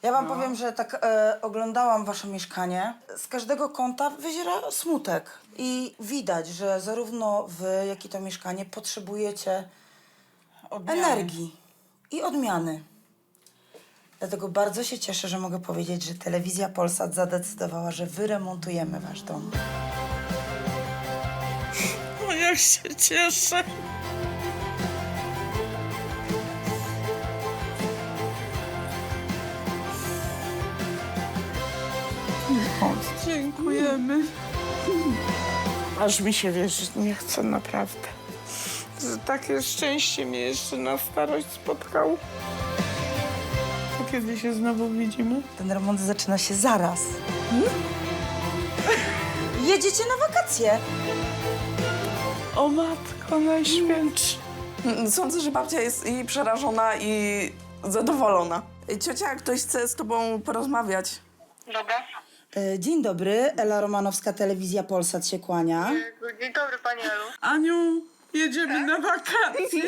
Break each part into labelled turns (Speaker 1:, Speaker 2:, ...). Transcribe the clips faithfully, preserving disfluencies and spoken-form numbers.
Speaker 1: Ja wam
Speaker 2: No.
Speaker 1: powiem, że tak e, oglądałam wasze mieszkanie. Z każdego kąta wyziera smutek. I widać, że zarówno wy, jak i to mieszkanie potrzebujecie
Speaker 2: Odmiany.
Speaker 1: energii i odmiany. Dlatego bardzo się cieszę, że mogę powiedzieć, że Telewizja Polsat zadecydowała, że wyremontujemy wasz dom.
Speaker 2: O, jak się cieszę. Dziękujemy. Aż mi się wierzyć nie chce, naprawdę. Że takie szczęście mnie jeszcze na starość spotkało. To kiedy się znowu widzimy?
Speaker 1: Ten remont zaczyna się zaraz. Jedziecie na wakacje.
Speaker 2: O matko najświętsza.
Speaker 3: Sądzę, że babcia jest i przerażona, i zadowolona. Ciocia, jak ktoś chce z tobą porozmawiać.
Speaker 4: Dobra.
Speaker 1: E, Dzień dobry, Ela Romanowska, Telewizja Polsat się kłania.
Speaker 4: Dzień dobry, pani Elu.
Speaker 2: Aniu, jedziemy na wakacje.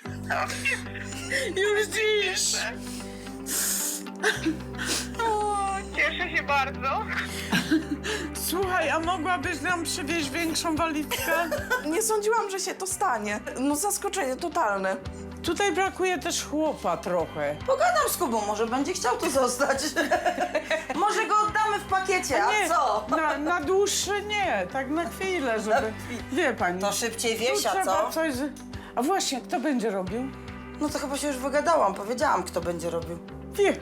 Speaker 2: Już dziś.
Speaker 4: O, cieszę się bardzo.
Speaker 2: Słuchaj, a mogłabyś nam przywieźć większą walizkę?
Speaker 3: Nie sądziłam, że się to stanie. No zaskoczenie totalne.
Speaker 2: Tutaj brakuje też chłopa trochę.
Speaker 1: Pogadam z Kubą, może będzie chciał tu zostać. Może go oddamy w pakiecie, a
Speaker 2: Nie,
Speaker 1: co?
Speaker 2: Na, na dłuższe nie, tak na chwilę, żeby... Wie pani.
Speaker 1: To szybciej
Speaker 2: tu
Speaker 1: wiesia,
Speaker 2: trzeba
Speaker 1: co?
Speaker 2: coś... z- A właśnie, kto będzie robił?
Speaker 1: No to chyba się już wygadałam, powiedziałam, kto będzie robił.
Speaker 2: Wie.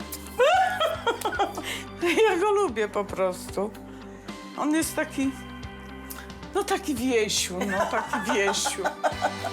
Speaker 2: Ja go lubię po prostu. On jest taki... No taki Wiesiu, no taki Wiesiu.